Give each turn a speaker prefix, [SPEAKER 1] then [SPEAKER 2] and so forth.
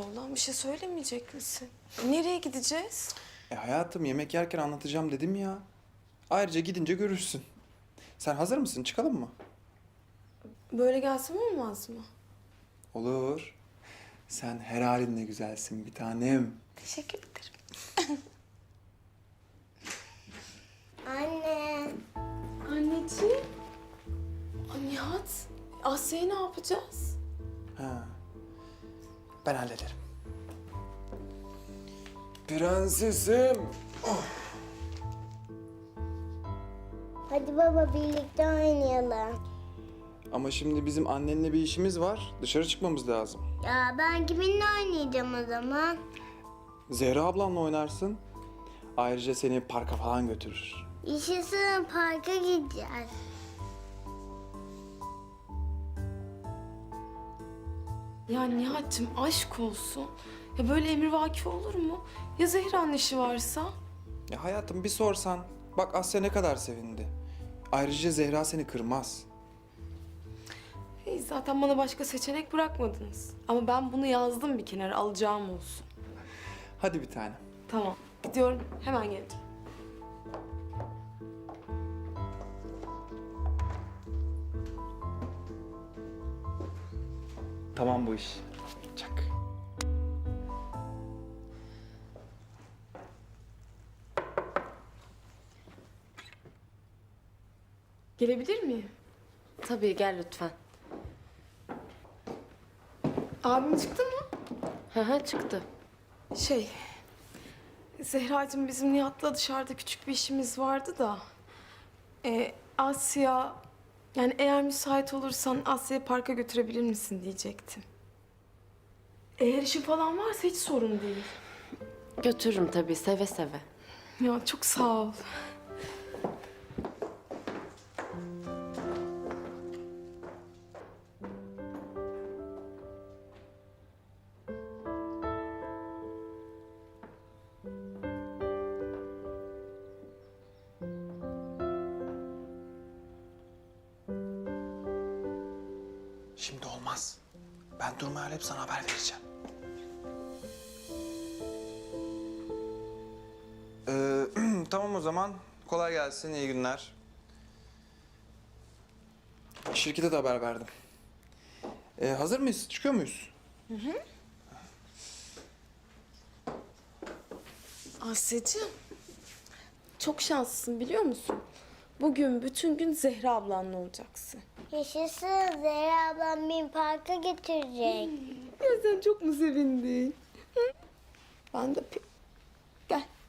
[SPEAKER 1] oğlan? Bir şey söylemeyecek misin? Nereye gideceğiz?
[SPEAKER 2] Hayatım yemek yerken anlatacağım dedim ya. Ayrıca gidince görürsün. Sen hazır mısın? Çıkalım mı?
[SPEAKER 1] Böyle gelsem olmaz mı?
[SPEAKER 2] Olur. Sen her halinle güzelsin bir tanem.
[SPEAKER 1] Teşekkür ederim.
[SPEAKER 3] Anne.
[SPEAKER 1] Anneciğim. Nihat, Asya'yı ne yapacağız?
[SPEAKER 2] Ha. Ben hallederim. Prensesim.
[SPEAKER 3] Hadi baba birlikte oynayalım.
[SPEAKER 2] Ama şimdi bizim annenle bir işimiz var. Dışarı çıkmamız lazım.
[SPEAKER 3] Ya ben kiminle oynayacağım o zaman?
[SPEAKER 2] Zehra ablanla oynarsın. Ayrıca seni parka falan götürür.
[SPEAKER 3] Yaşasın parka gideceğiz.
[SPEAKER 1] Ya Nihat'cığım aşk olsun. Ya böyle emrivaki olur mu? Ya Zehra'nın işi varsa?
[SPEAKER 2] Ya hayatım bir sorsan. Bak Asya ne kadar sevindi. Ayrıca Zehra seni kırmaz.
[SPEAKER 1] Zaten bana başka seçenek bırakmadınız. Ama ben bunu yazdım bir kenara, alacağım olsun.
[SPEAKER 2] Hadi bir tane.
[SPEAKER 1] Tamam, gidiyorum. Hemen geleceğim.
[SPEAKER 2] Tamam bu iş. Çak.
[SPEAKER 1] Gelebilir miyim?
[SPEAKER 4] Tabii gel lütfen.
[SPEAKER 1] Abim çıktı mı?
[SPEAKER 4] Hı hı çıktı.
[SPEAKER 1] Zehracığım bizim Nihat'la dışarıda küçük bir işimiz vardı da. Asya, yani eğer müsait olursan Asya'yı parka götürebilir misin diyecektim. Eğer işin falan varsa hiç sorun değil.
[SPEAKER 4] Götürürüm tabii seve seve.
[SPEAKER 1] Ya çok sağ ol.
[SPEAKER 2] Şimdi olmaz. Ben durumu öğrenip sana haber vereceğim. Tamam o zaman. Kolay gelsin, iyi günler. Şirkete de haber verdim. Hazır mıyız? Çıkıyor muyuz?
[SPEAKER 1] Asya'cığım, çok şanslısın biliyor musun? Bugün bütün gün Zehra ablanla olacaksın.
[SPEAKER 3] Yaşasın Zehra ablam beni parka götürecek.
[SPEAKER 1] Ya sen çok mu sevindin? Hı? Ben de Gel.